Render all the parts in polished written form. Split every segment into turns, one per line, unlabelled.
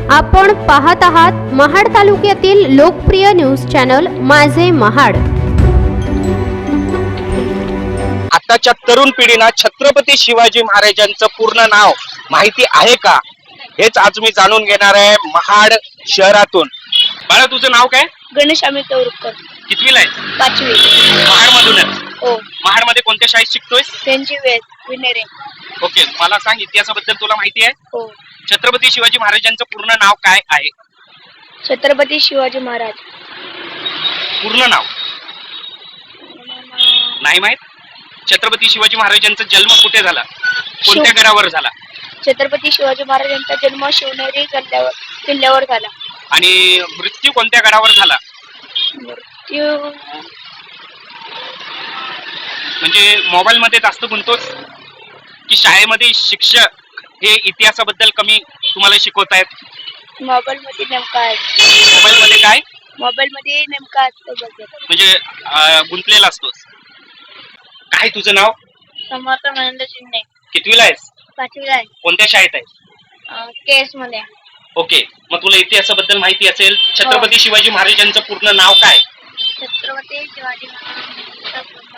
आपण पाहत आहात महाड तालुक्यातील लोकप्रिय न्यूज चॅनल माझे महाड।
आताच्या तरुण पिढीला छत्रपती शिवाजी महाराजांचं पूर्ण नाव माहिती आहे का, हेच आज मी जाणून घेणार आहे महाड शहरातून। बाळा, तुझं नाव काय?
गणेश अमित तौरकर।
कितवीला आहे?
5वी।
महाड मधूनच?
हो।
महाड मध्ये कोणत्या शाळेत शिकतोयस?
त्यांची वेळ विनेरे।
ओके, मला सांग, इतिहासाबद्दल तुला माहिती आहे?
हो।
छत्रपती शिवाजी महाराजांचं पूर्ण नाव काय आहे?
छत्रपती शिवाजी महाराज।
पूर्ण नाव नाही माहित? छत्रपती शिवाजी महाराजांचा जन्म कुठे झाला, कोणत्या गडावर झाला?
छत्रपती शिवाजी महाराजांचा जन्म शिवनेरी किल्ल्यावर झाला।
आणि मृत्यू कोणत्या गडावर झाला?
मृत्यू
म्हणजे मोबाईल मध्ये जास्त गुंततोस की शाळेमध्ये शिक्षक हे इतिहासाबद्दल कमी तुम्हाला शिकवतायत?
मोबाईल मध्ये नेमका आहे।
मोबाईल मध्ये काय?
मोबाईल मध्ये नेमका असतो बघ,
म्हणजे गुंतलेला असतोस। काय तुझं नाव?
समर्थ महेंद्र शिंदे।
कितवीला आहेस?
5वी आहे।
कोणत्या शाळेत आहे?
केस मध्ये।
ओके, मग तुला इतिहासाबद्दल माहिती असेल। छत्रपती शिवाजी महाराजांचं पूर्ण नाव काय?
छत्रपती शिवाजी महाराजांचा पूर्ण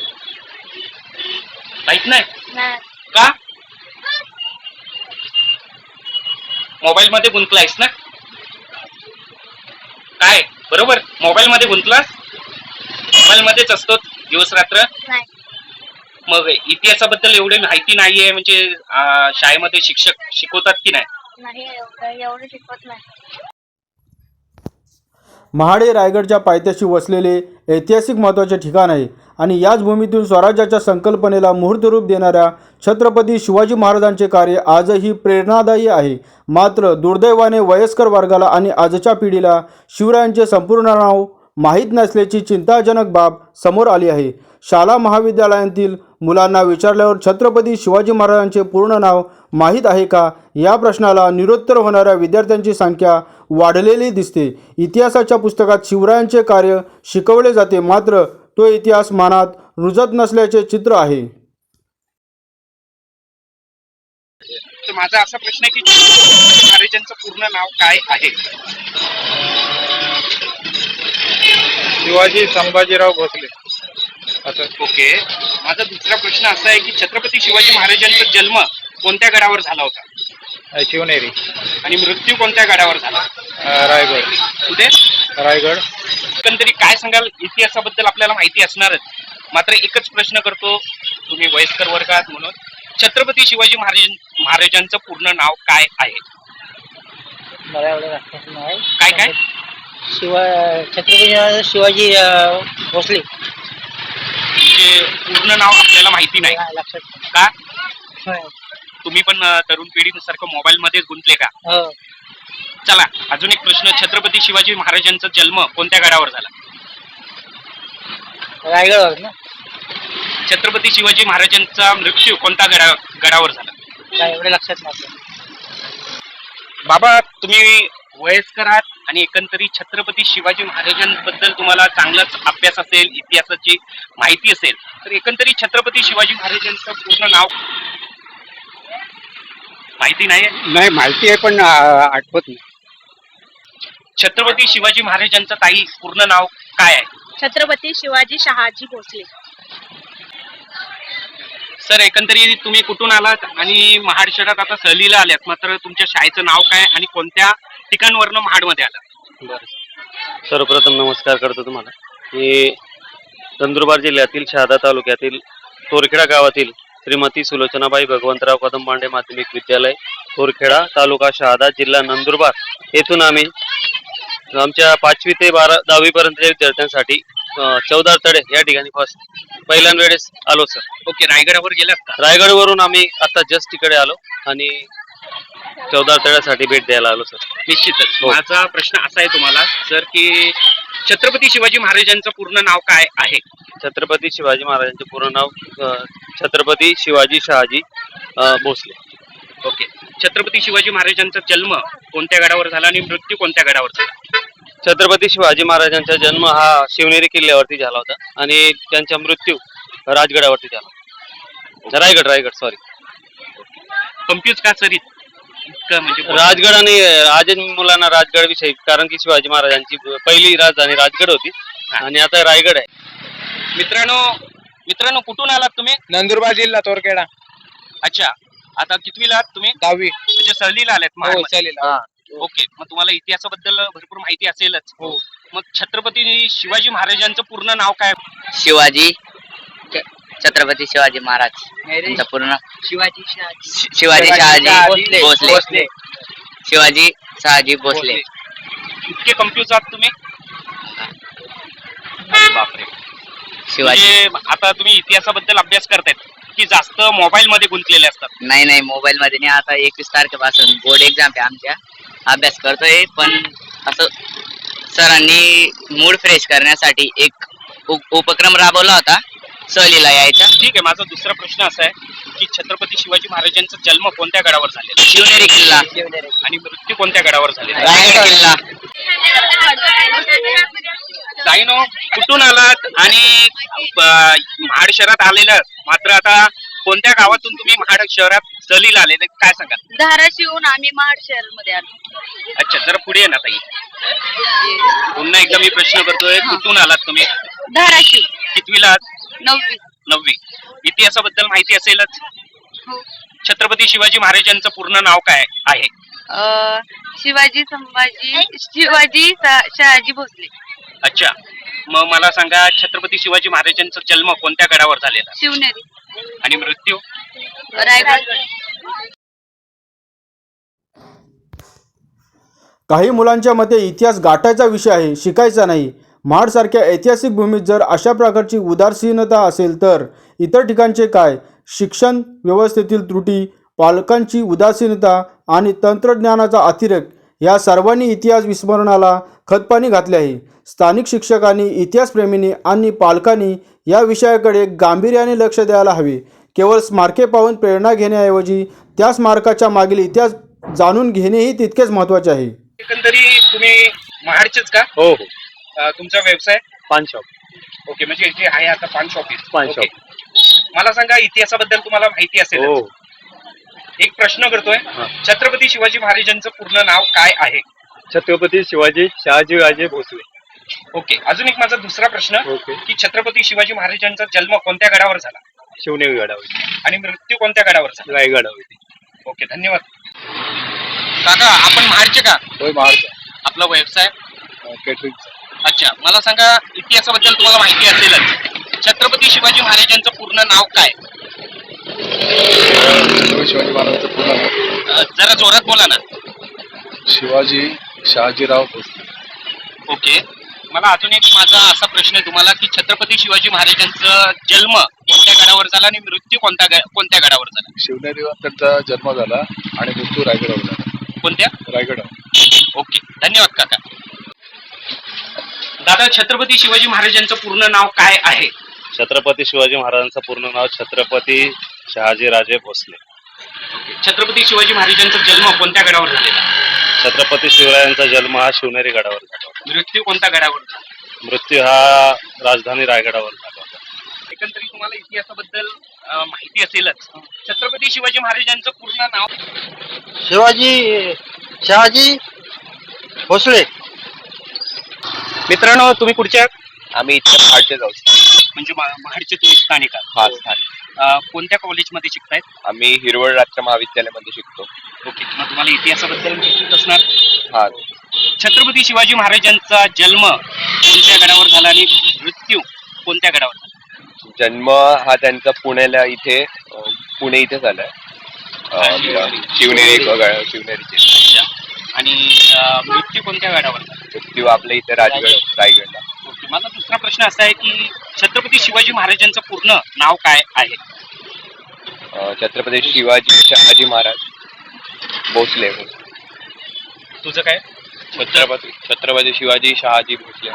माहित नाही
नाव
का? मोबाईल मध्ये गुंतलायस ना? काय बरोबर? मोबाईल मध्ये गुंतलास? मोबाईल मध्येच असतो दिवस रात्र?
नाही।
मग इतिहासाबद्दल एवढी माहिती नाहीये म्हणजे शाळेमध्ये शिक्षक शिकवतात की नाही?
नाही, एवढं शिकवत नाही।
महाड हे रायगडच्या पायथ्याशी वसलेले ऐतिहासिक महत्त्वाचे ठिकाण आहे आणि याच भूमीतून स्वराज्याच्या संकल्पनेला मुहूर्तरूप देणाऱ्या छत्रपती शिवाजी महाराजांचे कार्य आजही प्रेरणादायी आहे। मात्र दुर्दैवाने वयस्कर वर्गाला आणि आजच्या पिढीला शिवरायांचे संपूर्ण नाव माहीत नसल्याची चिंताजनक बाब समोर आली आहे। शाळा महाविद्यालयांतील मुलांना विचारल्यावर छत्रपती शिवाजी महाराजांचे पूर्ण नाव माहीत आहे का या प्रश्नाला निरुत्तर होणाऱ्या विद्यार्थ्यांची संख्या वाढलेली दिसते। इतिहासाच्या पुस्तकात शिवरायांचे कार्य शिकवले जाते, मात्र तो इतिहास मनात रुजत नसल्याचे चित्र आहे।
तर माझा असा प्रश्न आहे की छत्रपती महाराजांचं पूर्ण नाव काय आहे?
शिवाजी संभाजीराव भोसले।
ओके, माझा दुसरा प्रश्न असा आहे की छत्रपती शिवाजी महाराजांचा जन्म कोणत्या गडावर झाला होता?
शिवनेरी।
आणि मृत्यू कोणत्या गडावर झाला?
रायगड।
कुठे?
रायगड।
एकंदरीत काय सांगाल? इतिहासाबद्दल आपल्याला माहिती असणारच, मात्र एकच प्रश्न करतो, तुम्ही वयस्कर वर्गात म्हणून, छत्रपती शिवाजी महाराजांचं पूर्ण नाव काय आहे?
मला एवढं लक्षात नाही।
काय काय?
छत्रपती शिवाजी भोसले।
म्हणजे पूर्ण नाव आपल्याला माहिती नाही
लक्षात
का?
नाही।
तुम्ही पण तरुण पिढीसारखं मोबाईल मध्येच गुंतले का?
हो।
चला, अजून एक प्रश्न, छत्रपती शिवाजी महाराजांचा जन्म कोणत्या गडावर झाला?
रायगडवर ना?
छत्रपती शिवाजी महाराजांचा मृत्यू कोणत्या गडावर झाला?
काय एवढं लक्षात नाही।
बाबा, तुम्ही वयस्कर आहात आणि एकंदरीत छत्रपती शिवाजी महाराजांबद्दल तुम्हाला चांगलाच अभ्यास असेल, इतिहासाची माहिती असेल, तर एकंदरीत छत्रपती शिवाजी महाराजांचं पूर्ण नाव माहिती नाही?
नाही, माहिती आहे पण आठवत नाही।
छत्रपती शिवाजी महाराजांचं ताई पूर्ण नाव काय आहे?
छत्रपती शिवाजी शहाजी भोसले।
सर, एकंदरीत तुम्ही कुठून आलात आणि महाड शहरात आता सहलीला आल्यात, मात्र तुमच्या शाळेचं नाव काय आणि कोणत्या ठिकाणवरनं महाडमध्ये आलात?
बरं, सर्वप्रथम नमस्कार करतो तुम्हाला। मी नंदुरबार जिल्ह्यातील शहादा तालुक्यातील तोरखेडा गावातील श्रीमती सुलोचनाबाई भगवंतराव कदम पांडे माध्यमिक विद्यालय, तोरखेडा, तालुका शहादा, जिल्हा नंदुरबार येथून आम्ही आमच्या 5वी ते 10वी पर्यंतच्या विद्यार्थ्यांसाठी चौदार तळे या ठिकाणी पहिल्यांदा वेळेस आलो सर।
ओके, रायगडावर गेलात का?
रायगडवरून आम्ही आता जस्ट तिकडे आलो आणि चौदार तळ्यासाठी भेट द्यायला आलो सर।
निश्चितच। माझा प्रश्न असा आहे तुम्हाला सर की छत्रपती शिवाजी महाराजांचं पूर्ण नाव काय आहे?
छत्रपती शिवाजी महाराजांचे पूर्ण नाव छत्रपती शिवाजी शहाजी भोसले।
ओके, छत्रपती शिवाजी महाराजांचा जन्म कोणत्या गडावर झाला आणि मृत्यू कोणत्या गडावर झाला?
छत्रपती शिवाजी महाराजांचा जन्म हा शिवनेरी किल्ल्यावरती झाला होता आणि त्यांचा मृत्यू राजगडावरती झाला। रायगड सॉरी।
कन्फ्यूज का सर? इतकं म्हणजे
राजगड आणि आजच मुलांना राजगड विषयी, कारण की शिवाजी महाराजांची पहिली राजधानी राजगड होती आणि आता रायगड आहे.
मित्रांनो कुठून आलात तुम्ही?
नंदुरबार जिल्हा तोरखेडा.
अच्छा, आता कितवीला आहात तुम्ही?
10वी.
म्हणजे सहलीला आलात महाडमध्ये?
सहलीला.
ओके, मग तुम्हाला इतिहासाबद्दल भरपूर माहिती असेलच.
हो.
मग छत्रपती शिवाजी महाराजांचं पूर्ण नाव काय?
शिवाजी छत्रपती शिवाजी महाराज यांचं पूर्ण
शिवाजी
शिवाजी शहाजी भोसले. शिवाजी शहाजी भोसले.
इतके कन्फ्युज आहात तुम्ही? अरे बापरे.
शिवाजी
म्हणजे आता तुम्ही इतिहासाबद्दल अभ्यास करतायत की जास्त मोबाईल मध्ये गुंतलेले असतात?
नाही मोबाईल मध्ये नाही. आता 21 तारखेपासून बोर्ड एक्झाम आहे आमच्या, अभ्यास करतोय. पण असं सरांनी मूड फ्रेश करण्यासाठी एक उपक्रम राबवला होता सहलीला यायचा.
ठीक आहे, माझा दुसरा प्रश्न असा आहे की छत्रपती शिवाजी महाराजांचा जन्म कोणत्या गडावर झालेला
शिवनेरी किल्ला,
आणि मृत्यू कोणत्या गडावर झालेला?
रायगड किल्ला.
ताईनो, कुठून आलात आणि महाड शहरात आलेलं, मात्र आता कोणत्या गावातून तुम्ही महाड शहरात सहलीला आलेले काय सांगा?
धाराशिवहून आम्ही महाड शहर मध्ये आलो.
अच्छा, जरा पुढे ये ना ताई. पुन्हा एकदा मी प्रश्न करतोय, कुठून आलात तुम्ही?
धाराशिव.
कितवीला आहात?
9वी.
9वी. इतिहासाबद्दल माहिती असेलच.
हो.
छत्रपती शिवाजी महाराजांचं पूर्ण नाव काय आहे?
शिवाजी शहाजी भोसले.
अच्छा, मग मला सांगा, छत्रपती शिवाजी महाराजांचा जन्म कोणत्या गडावर झालेला
शिवनेरी.
आणि मृत्यू?
रायगड.
काही मुलांच्या मते इतिहास गाठायचा विषय आहे, शिकायचा नाही. महाडसारख्या ऐतिहासिक भूमीत जर अशा प्रकारची उदासीनता असेल तर इतर ठिकाणचे काय? शिक्षण व्यवस्थेतील त्रुटी, पालकांची उदासीनता आणि तंत्रज्ञानाचा अतिरेक या सर्वांनी इतिहास विस्मरणाला खतपाणी घातले आहे. स्थानिक शिक्षकांनी, इतिहासप्रेमींनी आणि पालकांनी या विषयाकडे गांभीर्याने लक्ष द्यायला हवे. केवळ स्मारके पाहून प्रेरणा घेण्याऐवजी त्या स्मारकाच्या मागील इतिहास जाणून घेणेही तितकेच महत्त्वाचे आहे.
एकंदरी तुम्ही महाडचेच का?
हो.
तुमचा व्यवसाय?
पान शॉप.
ओके, म्हणजे जे आहे आता पान शॉप आहे.
पान
ओके. मला सांगा, इतिहासाबद्दल तुम्हाला माहिती असेल.
हो.
एक प्रश्न करतोय, छत्रपती शिवाजी महाराजांचं पूर्ण नाव काय आहे?
छत्रपती शिवाजी शहाजी भोसले.
ओके, अजून एक माझा दुसरा प्रश्न
ओके.
की छत्रपती शिवाजी महाराजांचा जन्म कोणत्या गडावर झाला
शिवनेरी गडावर.
आणि मृत्यू कोणत्या गडावर झाला?
रायगडावर.
ओके, धन्यवाद. काका, आपण महाडचे का?
होय, महाराज.
आपला व्यवसाय?
केटरिंग.
अच्छा, मला सांगा, इतिहासाबद्दल तुम्हाला माहिती असेलच. छत्रपती शिवाजी महाराजांचं पूर्ण नाव काय?
शिवाजी महाराजांचं पूर्ण नाव
जरा जोरात बोला ना.
शिवाजी शहाजीराव भोसले.
ओके, मला अजून एक माझा असा प्रश्न आहे तुम्हाला की छत्रपती शिवाजी महाराजांचा जन्म कोणत्या गडावर झाला आणि मृत्यू कोणत्या गडावर झाला?
शिवनेरीवर त्यांचा जन्म झाला आणि मृत्यू रायगडावर झाला.
कोणत्या?
रायगडावर.
ओके, धन्यवाद काका. दादा, छत्रपती शिवाजी महाराजांचं पूर्ण नाव काय आहे?
छत्रपती शिवाजी महाराजांचं पूर्ण नाव छत्रपती शहाजीराजे भोसले.
छत्रपती शिवाजी महाराजांचा जन्म कोणत्या गडावर झालेला?
छत्रपती शिवरायांचा जन्म हा शिवनेरी गडावर झाला.
मृत्यू कोणत्या गडावर झाला?
मृत्यू हा राजधानी रायगडावर झाला.
एकंदरीत तुम्हाला इतिहासाबद्दल माहिती असेलच. छत्रपती शिवाजी महाराजांचं पूर्ण नाव?
शहाजी भोसले.
मित्रांनो, तुम्ही कुठच्या?
आम्ही इथे महाडचे जाऊ.
म्हणजे महाडचे तुम्ही स्थानिक आहात?
हा, स्थानिक.
कोणत्या कॉलेजमध्ये शिकतायत?
आम्ही हिरवळ राष्ट्र महाविद्यालयामध्ये शिकतो.
ओके, मग तुम्हाला इतिहासाबद्दल माहितीच असणार.
हा.
छत्रपती शिवाजी महाराजांचा जन्म कोणत्या गडावर झाला आणि मृत्यू कोणत्या गडावर झाला?
जन्म हा त्यांचा पुणे इथे झालाय. शिवनेरीचे.
अच्छा, आणि मृत्यू कोणत्या गडावर झाला?
मृत्यू आपल्या इथे रायगडला.
ओके, माझा दुसरा प्रश्न असा आहे की छत्रपती शिवाजी महाराजांचं पूर्ण नाव काय आहे?
छत्रपती शिवाजी शहाजी महाराज भोसले.
तुझं काय?
छत्रपती शिवाजी शहाजी भोसले.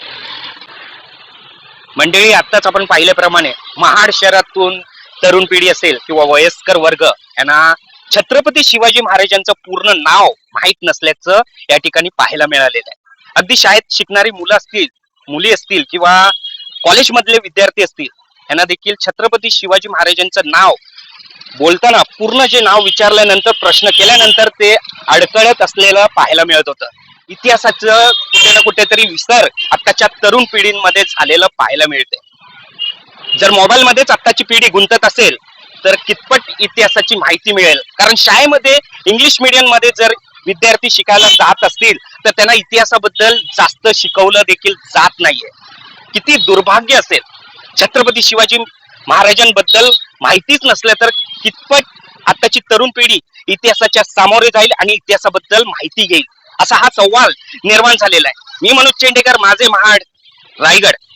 मंडळी, आत्ताच आपण पाहिल्याप्रमाणे महाड शहरातून तरुण पिढी असेल किंवा वयस्कर वर्ग यांना छत्रपती शिवाजी महाराजांचं पूर्ण नाव माहीत नसल्याचं या ठिकाणी पाहायला मिळालेलं आहे. अगदी शाळेत शिकणारी मुलं असतील, मुली असतील किंवा कॉलेजमधले विद्यार्थी असतील, यांना देखील छत्रपती शिवाजी महाराजांचं नाव बोलताना पूर्ण जे नाव विचारल्यानंतर प्रश्न केल्यानंतर ते अडकळत असलेलं पाहायला मिळत होतं. इतिहासाचं कुठे ना कुठेतरी विसर आत्ताच्या तरुण पिढींमध्ये झालेलं पाहायला मिळते. जर मोबाईल मध्येच आत्ताची पिढी गुंतत असेल तर कितपत इतिहासाची माहिती मिळेल. कारण शाळेमध्ये इंग्लिश मीडियम मध्ये जर विद्यार्थी शिकायला जात असतील तर त्यांना इतिहासाबद्दल जास्त शिकवलं देखील जात नाहीये. किती दुर्भाग्य असेल. छत्रपती शिवाजी महाराजांबद्दल माहितीच नसलं तर कितपत आताची तरुण पिढी इतिहासाच्या सामोरे जाईल आणि इतिहासाबद्दल माहिती घेईल, असा हा सवाल निर्माण झालेला आहे. मी मनोज चेंडेकर, माझे महाड, रायगड.